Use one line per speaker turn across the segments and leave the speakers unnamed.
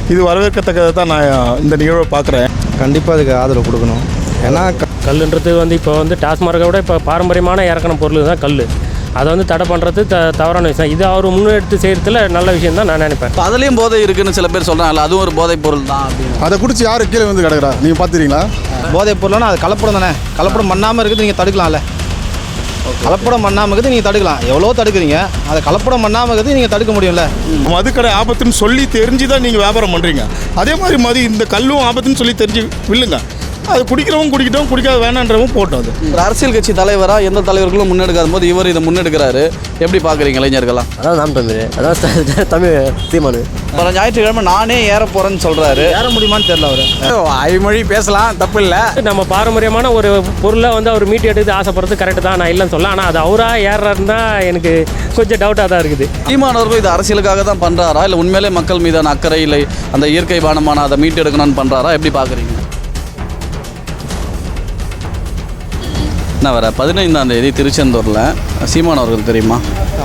இது வரவேற்கத்தக்கதை தான் நான் இந்த நிகழ்வை பார்க்குறேன்.
கண்டிப்பாக அதுக்கு ஆதரவு கொடுக்கணும். ஏன்னா
கல்லுன்றது இப்போ டாஸ்மார்க்கை விட இப்போ பாரம்பரியமான இறக்கண பொருள் தான் கல். அதை தடை பண்ணுறது தவறான விஷயம். இது அவர் முன்னெடுத்து செய்கிறதுல நல்ல விஷயம் தான் நான் நினைப்பேன்.
இப்போ அதுலேயும் போதை இருக்குன்னு சில பேர் சொல்கிறாங்கல்ல, அதுவும் ஒரு போதைப் பொருள் தான் அப்படின்னு.
அதை குடிச்சு யார் கீழே வந்து கிடக்குறா நீங்கள் பார்த்துறீங்களா?
போதைப் பொருள்னா அது கலப்படம் தானே. கலப்படம் பண்ணாமல் இருக்குது நீங்கள் தடுக்கலாம்ல. கலப்படம் பண்ணாமல் இருக்குது நீங்கள் தடுக்கலாம். எவ்வளோ தடுக்கிறீங்க, அதை கலப்படம் பண்ணாமல் இருக்குது நீங்கள் தடுக்க முடியும்ல.
மதுக்கடை ஆபத்துன்னு சொல்லி தெரிஞ்சு தான் நீங்கள் வியாபாரம் பண்ணுறீங்க. அதே மாதிரி இந்த கல்லும் ஆபத்துன்னு சொல்லி தெரிஞ்சு வில்லுங்க. அது குடிக்கிறவங்க குடிக்கிட்டோம், குடிக்காத வேணான்றவும் போட்டோம். அது
ஒரு அரசியல் கட்சி தலைவராக எந்த தலைவர்களும் முன்னெடுக்காத போது இவர் இதை முன்னெடுக்கிறாரு. எப்படி பார்க்குறீங்க இளைஞர்களாம்?
அதான் நாம் தமிழ், அதான் தமிழ் தீமானு.
வர ஞாயிற்றுக்கிழமை நானே ஏற போகிறேன்னு சொல்கிறாரு.
ஏற முடியுமான்னு தெரியல. அவர்
ஐமொழி பேசலாம், தப்பு இல்லை.
நம்ம பாரம்பரியமான ஒரு பொருளை அவர் மீட்டு எடுத்து ஆசைப்படுறது கரெக்டு தான், நான் இல்லைன்னு சொல்ல. ஆனால் அது அவராக ஏறாருன்னு தான் எனக்கு கொஞ்சம் டவுட்டாக தான் இருக்குது.
சீமானவர்கள் இது அரசியலுக்காக தான் பண்ணுறாரா, இல்லை உண்மையிலே மக்கள் மீதான அக்கறை இல்லை, அந்த இயற்கை பானமான அதை மீட்டு எடுக்கணும்னு பண்ணுறாரா? எப்படி பார்க்குறீங்க? என்ன வர 15ஆம் தேதி திருச்செந்தூரில் சீமானவர்கள் தெரியுமா?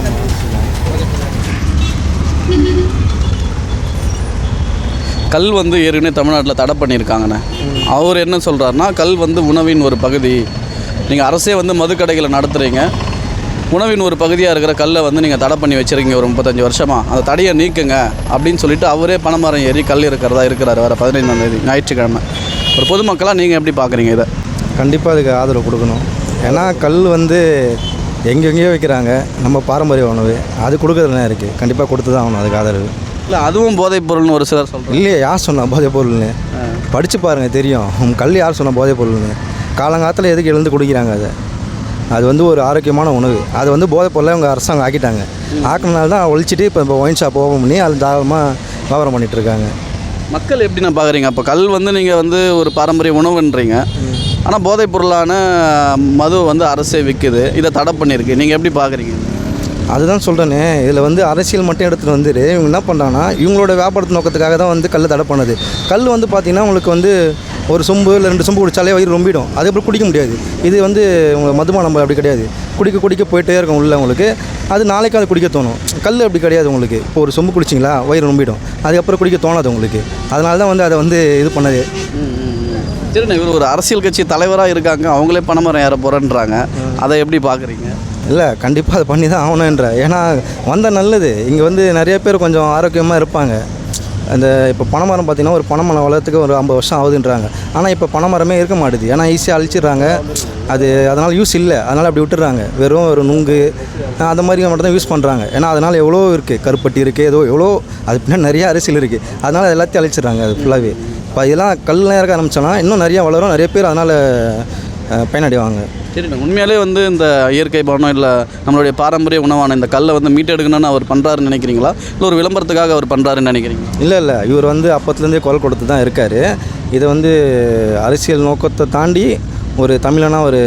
கல் ஏற்கனவே தமிழ்நாட்டில் தடை பண்ணியிருக்காங்கண்ணே. அவர் என்ன சொல்கிறாருன்னா, கல் உணவின் ஒரு பகுதி. நீங்கள் அரசே மதுக்கடைகளை நடத்துகிறீங்க, உணவின் ஒரு பகுதியாக இருக்கிற கல்லை நீங்கள் தடை பண்ணி வச்சுருக்கீங்க ஒரு 35 வருஷமாக, அந்த தடையை நீக்குங்க அப்படின்னு சொல்லிட்டு அவரே பனைமரம் ஏறி கல் இருக்கிறாரு வர 15ஆம் தேதி ஞாயிற்றுக்கிழமை. ஒரு பொதுமக்களாக நீங்கள் எப்படி பார்க்குறீங்க இதை?
கண்டிப்பாக அதுக்கு ஆதரவு கொடுக்கணும். ஏன்னா கல் எங்கெங்கேயோ வைக்கிறாங்க. நம்ம பாரம்பரிய உணவு அது கொடுக்குறதுலாம் இருக்குது. கண்டிப்பாக கொடுத்து தான் ஆகணும் அதுக்கு ஆதரவு.
இல்லை அதுவும் போதைப் பொருள்னு ஒரு சிலர் சொல்கிறாங்க.
இல்லையே, யார் சொன்னால் போதைப் பொருள்னு? படித்து பாருங்கள், தெரியும். கல் யார் சொன்னால் போதைப் பொருள்னு? காலங்காலத்தில் எதுக்கு எழுந்து குடிக்கிறாங்க? அது ஒரு ஆரோக்கியமான உணவு. அது போதைப் பொருளை அவங்க அரசாங்கம் ஆக்கிட்டாங்க. ஆக்கினால தான் ஒழிச்சிட்டு இப்போ ஒயின் ஷாப் ஓப்பன் பண்ணி அது தாராளமாக வியாபாரம் பண்ணிகிட்ருக்காங்க.
மக்கள் எப்படி நான் பார்க்குறீங்க? அப்போ கல் நீங்கள் ஒரு பாரம்பரிய உணவுன்றீங்க, ஆனால் போதைப் பொருளான மது அரசே விற்குது, இதை தடை பண்ணியிருக்கு. நீங்கள் எப்படி பார்க்குறீங்க?
அதுதான் சொல்கிறேனே, இதில் அரசியல் மட்டும் எடுத்துகிட்டு வந்துட்டு இவங்க என்ன பண்ணுறாங்கன்னா, இவங்களோட வியாபாரத்து நோக்கத்துக்காக தான் கல் தடை பண்ணுது. கல் பார்த்திங்கன்னா உங்களுக்கு ஒரு சொம்பு இல்லை 2 சொம்பு குடித்தாலே வயிறு ரொம்பிடும். அதுக்கப்புறம் குடிக்க முடியாது. இது உங்களுக்கு மதுபானம் அப்படி கிடையாது. குடிக்க போயிட்டே இருக்கும் உள்ள உங்களுக்கு. அது நாளைக்கு அது குடிக்க தோணும். கல் அப்படி கிடையாது. உங்களுக்கு இப்போ ஒரு சொம்பு குடிச்சிங்களா வயிறு ரொம்பிடும், அதுக்கப்புறம் குடிக்க தோணாது உங்களுக்கு. அதனால தான் அதை இது பண்ணது.
சரிண்ணா, இவர் ஒரு அரசியல் கட்சி தலைவராக இருக்காங்க, அவங்களே பனைமரம் ஏற போகிறேன்றாங்க, அதை எப்படி பார்க்குறீங்க?
இல்லை, கண்டிப்பாக அதை பண்ணி தான் ஆகணுன்ற. ஏன்னா வந்தால் நல்லது. இங்கே நிறைய பேர் கொஞ்சம் ஆரோக்கியமாக இருப்பாங்க. இப்போ பனைமரம் பார்த்திங்கன்னா ஒரு பனைமரம் வளர்த்துக்கு ஒரு 50 வருஷம் ஆகுதுன்றாங்க. ஆனால் இப்போ பனைமரமே இருக்க மாட்டுது. ஏன்னா ஈஸியாக அழிச்சிடுறாங்க. அதனால் யூஸ் இல்லை, அதனால் அப்படி விட்டுடுறாங்க. வெறும் ஒரு நுங்கு அந்த மாதிரி மட்டும் தான் யூஸ் பண்ணுறாங்க. ஏன்னா அதனால் எவ்வளோ இருக்குது, கருப்பட்டி இருக்குது, எவ்வளோ அது பின்னாடி நிறைய அரசியல் இருக்குது. அதனால் எல்லாத்தையும் அழிச்சிடுறாங்க. அது ஃபுல்லாகவே இப்போ இதெல்லாம் கல்லாம் இறக்க ஆரம்பித்தோன்னா இன்னும் நிறையா வளரும், நிறைய பேர் அதனால் பயனடைவாங்க.
சரிண்ணா, உண்மையாலே இந்த இயற்கை பானம் இல்லை நம்மளுடைய பாரம்பரிய உணவான இந்த கல்லை மீட்டெடுக்கணும்னு அவர் பண்ணுறாருன்னு நினைக்கிறீங்களா, இல்லை ஒரு விளம்பரத்துக்காக அவர் பண்ணுறாருன்னு நினைக்கிறீங்க?
இல்லை, இவர் அப்போத்துலேருந்தே குரல் கொடுத்து தான் இருக்கார். இதை அரசியல் நோக்கத்தை தாண்டி ஒரு தமிழனாக ஒரு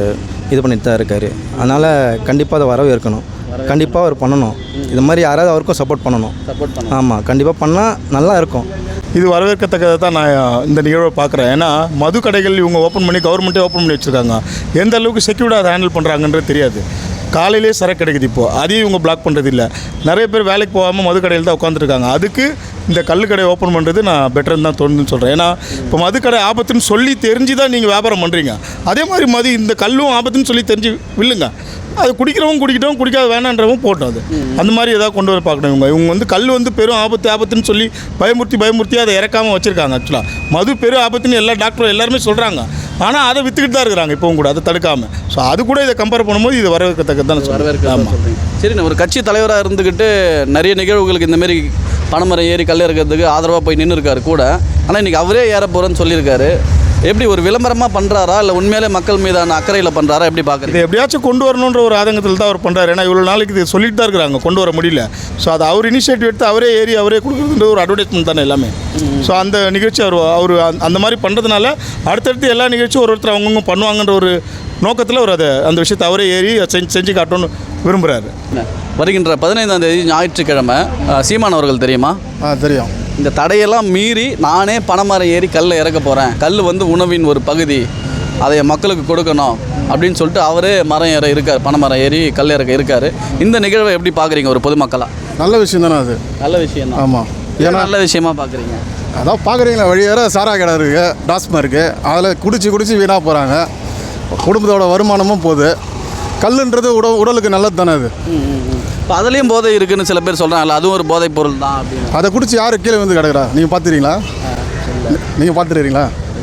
இது பண்ணிட்டு தான் இருக்கார். அதனால் கண்டிப்பாக அதை வரவேற்கணும். கண்டிப்பாக அவர் பண்ணணும். இது மாதிரி யாராவது அவருக்கும் சப்போர்ட் பண்ணணும். ஆமாம், கண்டிப்பாக பண்ணால் நல்லா இருக்கும்.
இது வரவேற்கத்தக்கதை தான் நான் இந்த நிகழ்வை பார்க்குறேன். ஏன்னா மது கடைகள் இவங்க ஓப்பன் பண்ணி கவர்மெண்ட்டே ஓப்பன் பண்ணி வச்சுருக்காங்க. எந்த அளவுக்கு செக்யூர்டாக அதை ஹேண்டில் பண்ணுறாங்கன்றது தெரியாது. காலையிலே சரக்கு கிடைக்குது. இப்போது அதையும் இவங்க பிளாக் பண்ணுறது இல்லை. நிறைய பேர் வேலைக்கு போகாமல் மது கடையில் தான் உட்காந்துருக்காங்க. அதுக்கு இந்த கல் கடை ஓப்பன் பண்ணுறது நான் பெட்டர்னு தான் தோணுதுன்னு சொல்கிறேன். ஏன்னா இப்போ மது கடை ஆபத்துன்னு சொல்லி தெரிஞ்சு தான் நீங்கள் வியாபாரம் பண்ணுறீங்க. அதே மாதிரி இந்த கல்லும் ஆபத்துன்னு சொல்லி தெரிஞ்சு வில்லுங்க. அது குடிக்கிறவங்க குடிக்கிட்டோம், குடிக்காத வேணான்றவும் போட்டோம். அது அந்த மாதிரி ஏதாவது கொண்டு வர பார்க்கணும். இவங்க கல் பெரும் ஆபத்துன்னு சொல்லி பயமுறுத்தி அதை இறக்காமல் வச்சுருக்காங்க. ஆக்சுவலாக மது பெரும் ஆபத்துன்னு எல்லா டாக்டரும் எல்லாருமே சொல்கிறாங்க. ஆனால் அதை விற்றுக்கிட்டு தான் இருக்கிறாங்க இப்போவும் கூட, அதை தடுக்காமல். ஸோ அது கூட இதை கம்பேர் பண்ணும்போது இது வரவேற்கத்தக்கது தான்
வரவேற்க. சரிண்ணா, ஒரு கட்சி தலைவராக இருந்துக்கிட்டு நிறைய நிகழ்வுகளுக்கு இந்தமாரி பனைமரம் ஏறி கல் இறக்கிறதுக்கு ஆதரவாக போய் நின்று இருக்காரு கூட. ஆனால் இன்றைக்கி அவரே ஏற போகிறேன்னு சொல்லியிருக்காரு. எப்படி ஒரு விளம்பரமாக பண்ணுறாரா, இல்லை உண்மையிலே மக்கள் மீதான அக்கறையில் பண்ணுறாரா, எப்படி பார்க்குறது?
எப்படியாச்சும் கொண்டு வரணுன்ற ஒரு ஆதங்கத்தில் தான் அவர் பண்ணுறாரு. ஏன்னா இவ்வளோ நாளைக்கு இது சொல்லிட்டு தான் இருக்கிறாங்க, கொண்டு வர முடியல. ஸோ அதை அவர் இனிஷியேட்டிவ் எடுத்து அவரே ஏறி அவரே கொடுக்குறதுன்ற ஒரு அட்வர்டைஸ்மெண்ட் தானே எல்லாமே. ஸோ அந்த நிகழ்ச்சி அவர் அந்த மாதிரி பண்ணுறதுனால அடுத்தடுத்து எல்லா நிகழ்ச்சியும் ஒருத்தர் அவங்கவுங்க பண்ணுவாங்கன்ற ஒரு நோக்கத்தில் அவர் அந்த விஷயத்தை அவரே ஏறி செஞ்சு காட்டணும்னு விரும்புகிறாரு.
வருகின்ற 15ஆம் தேதி ஞாயிற்றுக்கிழமை சீமானவர்கள் தெரியுமா?
தெரியும்.
இந்த தடையெல்லாம் மீறி நானே பனைமரம் ஏறி கல்லை இறக்க போகிறேன், கல் உணவின் ஒரு பகுதி, அதை மக்களுக்கு கொடுக்கணும் அப்படின்னு சொல்லிட்டு அவரே மரம் ஏற இருக்கார், பனைமரம் ஏறி கல் இறக்க இருக்கார். இந்த நிகழ்வை எப்படி பார்க்குறீங்க ஒரு பொதுமக்களாக?
நல்ல விஷயம் தானே அது?
நல்ல விஷயம் தான்.
ஆமாம். ஏன்னா
நல்ல விஷயமா பார்க்குறீங்க?
அதான் பார்க்குறீங்களா, வழியார சாரா கடை இருக்குது, டாஸ்மாக இருக்குது, அதில் குடிச்சு வீணாக போகிறாங்க. குடும்பத்தோட வருமானமும் போகுது. கல்லுன்றது உடலுக்கு நல்லது தானே அது.
இப்போ அதுலேயும் போதை இருக்குன்னு சில பேர் சொல்கிறாங்கல்ல, அதுவும் ஒரு போதைப் பொருள் தான் அப்படின்னு.
அதை குடிச்சு யார் கீழே வந்து கிடக்குறா? நீங்கள் பார்த்துறீங்களா? நீங்கள் பார்த்துருக்கீங்களா?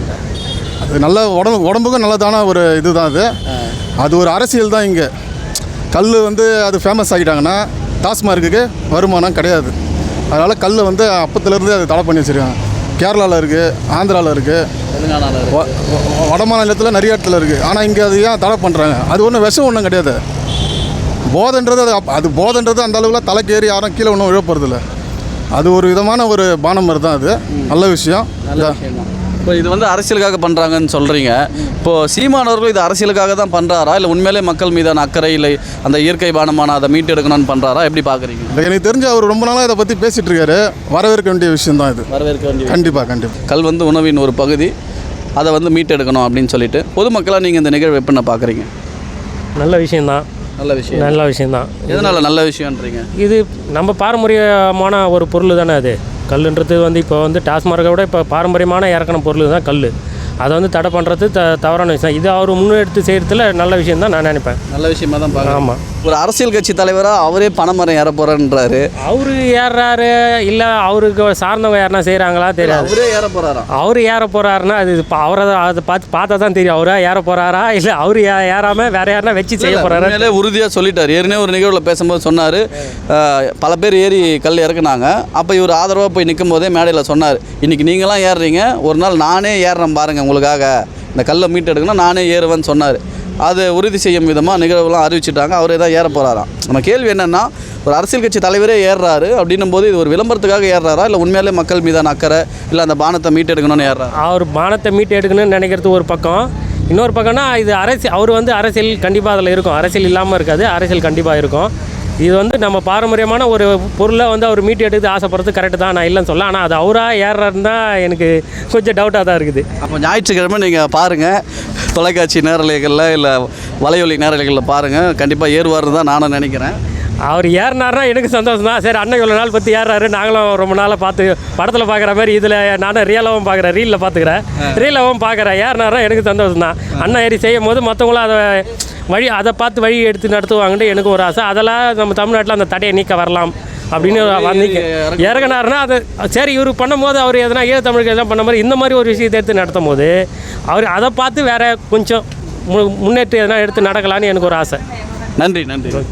அது நல்ல உடம்புக்கும் நல்லதான ஒரு இது தான் அது. அது ஒரு அரசியல் தான். இங்கே கல் வந்து அது ஃபேமஸ் ஆகிட்டாங்கன்னா டாஸ்மார்க்குக்கு வருமானம் கிடையாது. அதனால் கல் வந்து அப்பத்துலேருந்து அது தடை பண்ணி வச்சுருக்காங்க. கேரளாவில் இருக்குது, ஆந்திராவில் இருக்குது,
தெலுங்கானாவில்
வட மாநிலத்தில் நிறைய இடத்துல இருக்குது. ஆனால் இங்கே அது ஏன் தடை பண்ணுறாங்க? அது ஒன்றும் விஷம் ஒன்றும் கிடையாது. போதைன்றது அது போதைன்றது அந்த அளவுக்குலாம் தலைக்கு ஏறி யாரும் கீழே ஒன்றும் விழப்போகிறதில்ல. அது ஒரு விதமான ஒரு பானம் மாதிரி தான். அது நல்ல விஷயம்.
இப்போ இது வந்து அரசியலுக்காக பண்ணுறாங்கன்னு சொல்கிறீங்க. இப்போது சீமானவர்கள் இது அரசியலுக்காக தான் பண்ணுறாரா, இல்லை உண்மையிலே மக்கள் மீதான அக்கறை, இல்லை அந்த இயற்கை பானமான அதை மீட்டு எடுக்கணும்னு பண்ணுறாரா, எப்படி பார்க்குறீங்க?
எனக்கு தெரிஞ்சு அவர் ரொம்ப நாளாக இதை பற்றி பேசிகிட்டு இருக்காரு. வரவேற்க வேண்டிய விஷயம் தான் இது.
வரவேற்க வேண்டிய
கண்டிப்பாக.
கல் வந்து உணவின் ஒரு பகுதி, அதை வந்து மீட்டெடுக்கணும் அப்படின்னு சொல்லிட்டு பொதுமக்களாக நீங்கள் இந்த நிகழ்வு எப்படின்னு பார்க்குறீங்க?
நல்ல விஷயந்தான். நல்ல விஷயந்தான்.
எதனால் நல்ல விஷயம்ன்றீங்க?
இது நம்ம பாரம்பரியமான ஒரு பொருள் தானே அது. கல்லுன்றது வந்து இப்போ வந்து டாஸ்மார்க்கை விட இப்போ பாரம்பரியமான இறக்கின பொருள் தான் கல். அதை வந்து தடை பண்ணுறது தவறான விஷயம். இது அவர் முன்னெடுத்து செய்கிறதுல நல்ல விஷயம் தான் நான் நினைப்பேன்.
நல்ல விஷயமா தான் பார்க்குறேன்.
ஆமாம்.
ஒரு அரசியல் கட்சி தலைவராக அவரே பனைமரம் ஏற போகிறேன்றாரு.
அவர் ஏறுறாரு, இல்லை அவருக்கு சார்ந்தவங்க யாருனா செய்கிறாங்களா தெரியாது.
அவரே ஏற போகிறாரா?
அவர் ஏற போகிறாருன்னா அது இப்போ அவரை அதை பார்த்தா தான் தெரியும். அவரா ஏற போகிறாரா, இல்லை அவர் ஏறாமல் வேற யாருனா வச்சு செய்ய போகிறாரா?
உண்மையிலே உறுதியாக சொல்லிட்டார். ஏற்கனவே ஒரு நிகழ்வில் பேசும்போது சொன்னார், பல பேர் ஏறி கல் இறக்குனாங்க. அப்போ இவர் ஆதரவாக போய் நிற்கும் போதே மேடையில் சொன்னார், இன்றைக்கி நீங்களாம் ஏறுறீங்க, ஒரு நாள் நானே ஏறுறேன் பாருங்கள், உங்களுக்காக இந்த கல்லை மீட்டு எடுக்கணும், நானே ஏறுவேன்னு சொன்னார். அது உறுதி செய்யும் விதமாக நிகழ்வுலாம் அறிவிச்சிட்டாங்க. அவரே தான் ஏற போகிறாராம். நம்ம கேள்வி என்னென்னா, ஒரு அரசியல் கட்சி தலைவரே ஏறுறாரு அப்படின்னும் போது இது ஒரு விளம்பரத்துக்காக ஏறுறாரா, இல்லை உண்மையிலே மக்கள் மீதான அக்கறை, இல்லை அந்த பானத்தை மீட்டு எடுக்கணும்னு ஏறுறாரு?
அவர் பானத்தை மீட்டு எடுக்கணும்னு நினைக்கிறது ஒரு பக்கம். இன்னொரு பக்கம்னா இது அவர் வந்து அரசியல் கண்டிப்பாக அதில் இருக்கும். அரசியல் இல்லாமல் இருக்காது, அரசியல் கண்டிப்பாக இருக்கும். இது வந்து நம்ம பாரம்பரியமான ஒரு பொருளை வந்து அவர் மீட்டு எடுத்து ஆசைப்படுறது கரெக்டு தான், நான் இல்லைன்னு சொல்ல. ஆனால் அது அவராக ஏறுறாருன்னு தான் எனக்கு கொஞ்சம் டவுட்டாக தான் இருக்குது.
அப்போ ஞாயிற்றுக்கிழமை நீங்கள் பாருங்கள், தொலைக்காட்சி நேரலைகளில் இல்லை வலையொலி நேரலைகளில் பாருங்கள், கண்டிப்பாக ஏறுவார்னு தான் நானும் நினைக்கிறேன்.
அவர் ஏறினார்னா எனக்கு சந்தோஷம் தான். சரி, அண்ணன் இவ்வளோ நாள் பற்றி ஏறாரு, நாங்களும் ரொம்ப நாளாக பார்த்து படத்தில் பார்க்குற மாதிரி இதில் நானும் ரியலாகவும் பார்க்குறேன், ரீலில் பார்த்துக்கிறேன், ரீலாகவும் பார்க்குறேன். ஏறினார்னா எனக்கு சந்தோஷம் தான். அண்ணன் ஏறி செய்யும் போது மற்றவங்களும் அதை பார்த்து வழி எடுத்து நடத்துவாங்கன்ட்டு எனக்கு ஒரு ஆசை. அதெல்லாம் நம்ம தமிழ்நாட்டில் அந்த தடையை நீக்க வரலாம் அப்படின்னு இறங்கினாருன்னா அது சரி. இவர் பண்ணும்போது அவர் எதனா தமிழுக்கு எதனா பண்ண மாதிரி இந்த மாதிரி ஒரு விஷயத்தை எடுத்து நடத்தும் போது அவர் அதை பார்த்து வேறு கொஞ்சம் முன்னேற்றம் எதனா எடுத்து நடக்கலான்னு எனக்கு ஒரு ஆசை.
நன்றி.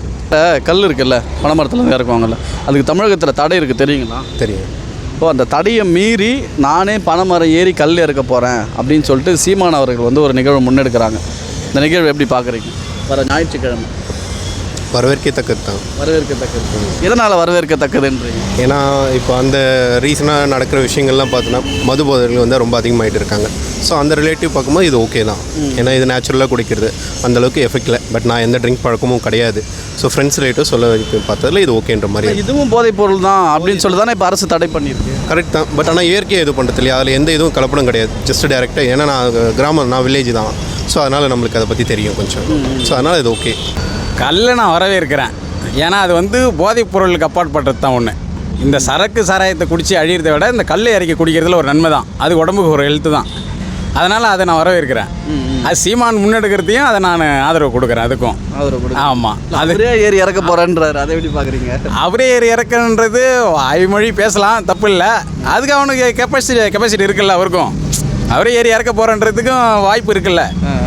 கல் இருக்குல்ல, பனைமரத்தில் இறக்குவாங்கல்ல, அதுக்கு தமிழகத்தில் தடை இருக்குது தெரியுங்களா?
தெரியும்.
இப்போ அந்த தடையை மீறி நானே பனைமரம் ஏறி கல் இறக்க போகிறேன் அப்படின்னு சொல்லிட்டு சீமான் அவர்கள் வந்து ஒரு நிகழ்வு முன்னெடுக்கிறாங்க. இந்த நிகழ்வு எப்படி பார்க்குறீங்க? வர ஞாயிற்றுக்கிழமை
வரவேற்கத்தக்கது தான்.
வரவேற்கத்தக்கது. எதனால் வரவேற்கத்தக்கதுன்றீங்க?
ஏன்னா இப்போ அந்த ரீசனாக நடக்கிற விஷயங்கள்லாம் பார்த்தோன்னா மது போதைகள் வந்து ரொம்ப அதிகமாகிட்டு இருக்காங்க. ஸோ அந்த ரிலேட்டிவ் பார்க்கும்போது இது ஓகே தான். ஏன்னா இது நேச்சுரலாக குடிக்கிறது அந்தளவுக்கு எஃபெக்ட் இல்லை. பட் நான் எந்த ட்ரிங்க் பழக்கமும் கிடையாது. ஸோ ஃப்ரெண்ட்ஸ் ரிலேட்டிவ் சொல்ல பார்த்ததில் இது ஓகேன்ற மாதிரி.
இதுவும் போதைப் பொருள் தான் அப்படின்னு சொல்லி தானே இப்போ அரசு தடை பண்ணியிருக்கு.
கரெக்ட் தான். பட் ஆனால் இயற்கையாக இது பண்ணுறது இல்லையா, அதில் எந்த இதுவும் கலப்படம் கிடையாது. ஜஸ்ட் டேரெக்டாக. ஏன்னா நான் வில்லேஜ் தான். ஸோ அதனால் நம்மளுக்கு அதை பற்றி தெரியும் கொஞ்சம். ஸோ அதனால் இது ஓகே.
கல்லை நான் வரவேற்கிறேன். ஏன்னா அது வந்து போதைப் பொருளுக்கு அப்பாற்பட்டது தான் ஒன்று. இந்த சரக்கு சாராயத்தை குடித்து அழிகிறத விட இந்த கல் இறக்கி குடிக்கிறதுல ஒரு நன்மை தான். அது உடம்புக்கு ஒரு ஹெல்த்து தான். அதனால் அதை நான் வரவேற்கிறேன். அது சீமான் முன்னெடுக்கிறதையும் அதை நான் ஆதரவு கொடுக்குறேன். அதுக்கும் ஆமாம்.
அவரே ஏறி இறக்க போகிறேன்றாரு, அதை எப்படி பார்க்குறீங்க?
அவரே ஏறி இறக்குன்றது ஐமொழி பேசலாம், தப்பு இல்லை. அதுக்கு அவனுக்கு கெப்பாசிட்டி இருக்குல்ல, அவருக்கும் அவரே ஏறி இறக்க போகிறன்றதுக்கும் வாய்ப்பு இருக்குல்ல.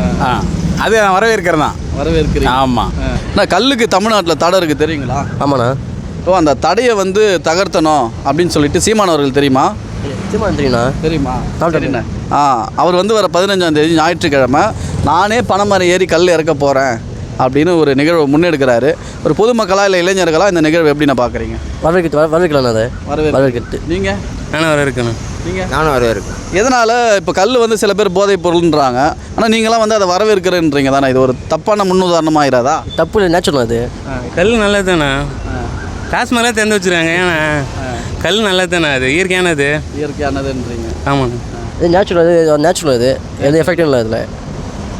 அது நான் வரவேற்கிறேன் தான்.
வரவேற்கிறேன்.
ஆமாம்.
ஆனால் கல்லுக்கு தமிழ்நாட்டில் தடை இருக்குது தெரியுங்களா?
ஆமாண்ணா.
அந்த தடையை வந்து தகர்த்தணும் அப்படின்னு சொல்லிட்டு சீமானவர்கள் தெரியுமா?
சீமான் தெரியுண்ணா.
தெரியுமா? சரிண்ணா. அவர் வந்து வர 15ஆம் தேதி ஞாயிற்றுக்கிழமை நானே பனைமரம் ஏறி கல் இறக்க போகிறேன் அப்படின்னு ஒரு நிகழ்வை முன்னெடுக்கிறாரு. ஒரு பொதுமக்களாக இல்லை இளைஞர்களாக இந்த நிகழ்வு எப்படி நான் பார்க்குறீங்க?
வரவேற்கலாம். அதை வரவேற்கிறது.
நீங்கள்?
நானும் வரவேற்கணும்.
நீங்கள்?
நானும் வரவேற்கிறேன்.
எதனால் இப்போ கல் வந்து சில பேர் போதைப் பொருள்ன்றாங்க, ஆனால் நீங்களாம் வந்து அதை வரவேற்கிறேன்றீங்க தானே? இது ஒரு தப்பான முன்னுதாரணமாக ஆயிடாதா?
தப்பு இல்லை, நேச்சுரல். அது
கல் நல்லது தானே. டாஸ்மார்லாம் திறந்து வச்சுருக்காங்க. ஏன்னா கல் நல்லது தானே, அது இயற்கையானதுன்றீங்க. ஆமாங்க.
இது நேச்சுரல். அது நேச்சுரல். அது எந்த எஃபெக்டும் இல்லை அதில்.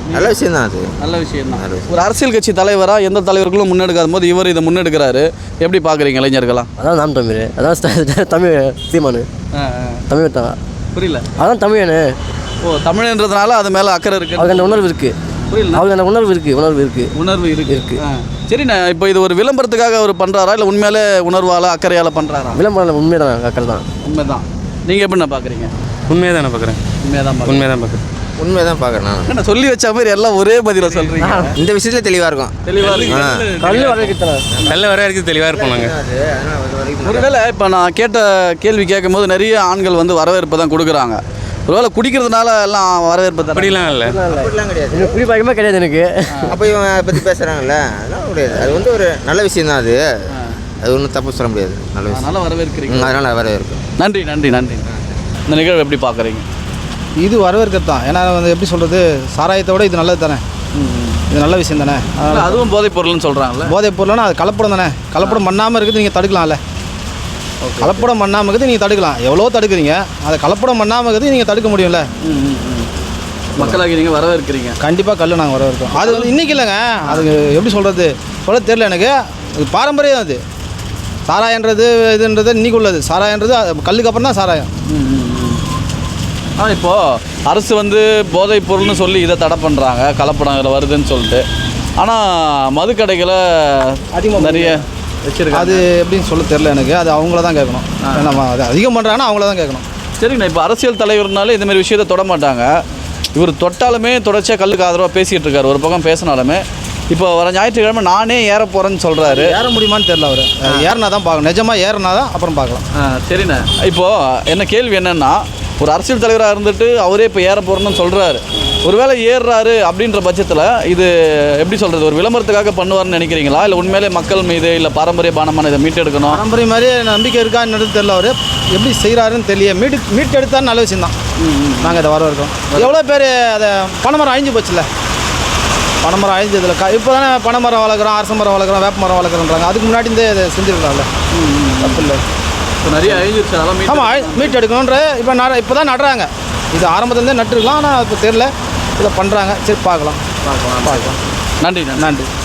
நல்ல விஷயம் தான் அது.
நல்ல விஷயம் தான். ஒரு அரசியல் கட்சி தலைவராக எந்த தலைவர்களும் முன்னெடுக்காத போது இவர் இதை முன்னெடுக்கிறாரு, எப்படி பார்க்குறீங்க இளைஞர்களாம்?
அதான் நாம் தமிழ், அதான் தமிழ் சீமானு, தமிழ் தான்.
புரியல.
அதான் தமிழனு.
ஓ, தமிழ்ன்றதுனால அது மேலே அக்கறை இருக்குது,
அவருக்கு அந்த உணர்வு இருக்குது.
புரியல.
அவருக்கு அந்த உணர்வு இருக்குது.
உணர்வு இருக்கு. சரிண்ணா, இப்போ இது ஒரு விளம்பரத்துக்காக அவர் பண்ணுறாரா இல்லை உண்மையிலே உணர்வால் அக்கறையால் பண்ணுறாரா?
விளம்பரம் உண்மை தான், அக்கறை தான்.
உண்மைதான். நீங்கள் எப்படிண்ணா பார்க்குறீங்க?
உண்மையை தானே பார்க்குறேன். உண்மையை தான் பார்க்குறேன்.
உண்மையை தான் பார்க்குறேன்.
என்ன சொல்லி வச்ச மாதிரி எல்லாம் ஒரே பதில சொல்கிறீங்க.
இந்த விஷயத்தில் தெளிவாக இருக்கும்.
தெளிவாக இருக்கு.
கல் வரவேற்கிறது
கல்ல வர வரைக்கும் தெளிவாக இருப்போம் நாங்கள்.
ஒருவேளை இப்போ நான் கேட்ட கேள்வி கேட்கும்போது நிறைய ஆண்கள் வந்து வரவேற்பு தான் கொடுக்குறாங்க. ஒருவேளை குடிக்கிறதுனால எல்லாம் வரவேற்பு தான்?
அப்படிலாம் இல்லை.
அப்படிலாம் கிடையாது.
எனக்கு குடிப்பழக்கமே கிடையாது எனக்கு.
அப்போ இவங்க பற்றி பேசுகிறாங்கல்ல, அதெல்லாம் கிடையாது. அது வந்து ஒரு நல்ல விஷயம் தான். அது ஒன்றும் தப்பு சொல்ல முடியாது. நல்ல விஷயம்.
அதனால் வரவேற்கிறீங்க.
அதனால் வரவேற்கும்.
நன்றி. இந்த நிகழ்வு எப்படி பார்க்குறீங்க?
இது வரவேற்கிறது தான். ஏன்னா வந்து எப்படி சொல்கிறது, சாராயத்தை விட இது நல்லது தானே. இது நல்ல விஷயம் தானே.
அதுவும் போதைப் பொருள்னு சொல்கிறாங்கல்ல.
போதைப் பொருள்னா அது கலப்படம் தானே. கலப்படம் பண்ணாமல் இருக்குது நீங்கள் தடுக்கலாம்ல. கலப்படம் பண்ணாமல் இருக்குது நீங்கள் தடுக்கலாம். எவ்வளோ தடுக்கிறீங்க, அதை கலப்படம் பண்ணாமல் இருக்குது நீங்கள் தடுக்க முடியும்ல.
மக்களாகி நீங்கள் வரவேற்கிறீங்க.
கண்டிப்பாக கல் நாங்கள் வரவேற்கிறோம். அது வந்து இன்றைக்கி இல்லைங்க, அதுக்கு எப்படி சொல்கிறது சொல்ல தெரியல எனக்கு. அது பாரம்பரியம். அது சாராயன்றது இதுன்றது இன்றைக்கி உள்ளது. சாராயன்றது கல்லுக்கு அப்புறம் தான் சாராயம்.
இப்போது அரசு வந்து போதைப் பொருள்னு சொல்லி இதை தடை பண்ணுறாங்க, கலப்படம் வருதுன்னு சொல்லிட்டு. ஆனால் மதுக்கடைகளை அதிகமாக நிறைய வச்சுருக்காங்க.
அது எப்படின்னு சொல்ல தெரில எனக்கு. அது அவங்கள தான் கேட்கணும். நம்ம அது அதிகம் பண்ணுறாங்கன்னா அவங்கள தான் கேட்கணும்.
சரிங்கண்ணா, இப்போ அரசியல் தலைவர்னாலே இந்தமாதிரி விஷயத்தை தொட மாட்டாங்க. இவர் தொட்டாலுமே தொடர்ச்சியாக கல்லுக்கு ஆதரவாக பேசிகிட்டு இருக்காரு. ஒரு பக்கம் பேசினாலுமே இப்போ வர ஞாயிற்றுக்கிழமை நானே ஏற போகிறேன்னு சொல்கிறாரு.
ஏற முடியுமான்னு தெரில. அவர் ஏறினா தான் பார்க்கணும். நிஜமாக ஏறினா தான் அப்புறம் பார்க்கலாம்.
சரிண்ணா, இப்போது என்ன கேள்வி என்னென்னா, ஒரு அரசியல் தலைவராக இருந்துட்டு அவரே இப்போ ஏற போகிறேன்னு சொல்கிறாரு. ஒருவேளை ஏறுறாரு அப்படின்ற பட்சத்தில் இது எப்படி சொல்கிறது, ஒரு விளம்பரத்துக்காக பண்ணுவார்னு நினைக்கிறீங்களா, இல்லை உண்மையிலே மக்கள் மீது இல்லை பாரம்பரிய பானமான இதை மீட்டெடுக்கணும்?
பாரம்பரிய மாதிரி நம்பிக்கை இருக்கா என்னது தெரில. அவர் எப்படி செய்கிறாருன்னு தெரியல. மீட்டு எடுத்தாலும் நல்ல விஷயம் தான். நாங்கள் இதை வரவேற்கிறோம். எவ்வளோ பேர் அதை பனைமரம் அழிஞ்சு போச்சுல்ல. பனைமரம் அழிஞ்சதில்ல. இப்போ தானே பனைமரம் வளர்க்குறோம், அரச மரம் வளர்க்குறோம், வேப்ப மரம் வளர்க்குறோன்றாங்க. அதுக்கு முன்னாடி இதை செஞ்சுருக்கலாம்ல. தப்பு இல்லை.
இப்போ நிறைய அழிஞ்சிருச்சு.
ஆமாம், மீட்டு எடுக்கணுன்ற இப்போ தான் நடுறாங்க. இது ஆரம்பத்துலேருந்தே நட்டுருக்கலாம். ஆனால் இப்போ தெரில, இதை பண்ணுறாங்க. சரி, பார்க்கலாம்.
நன்றி.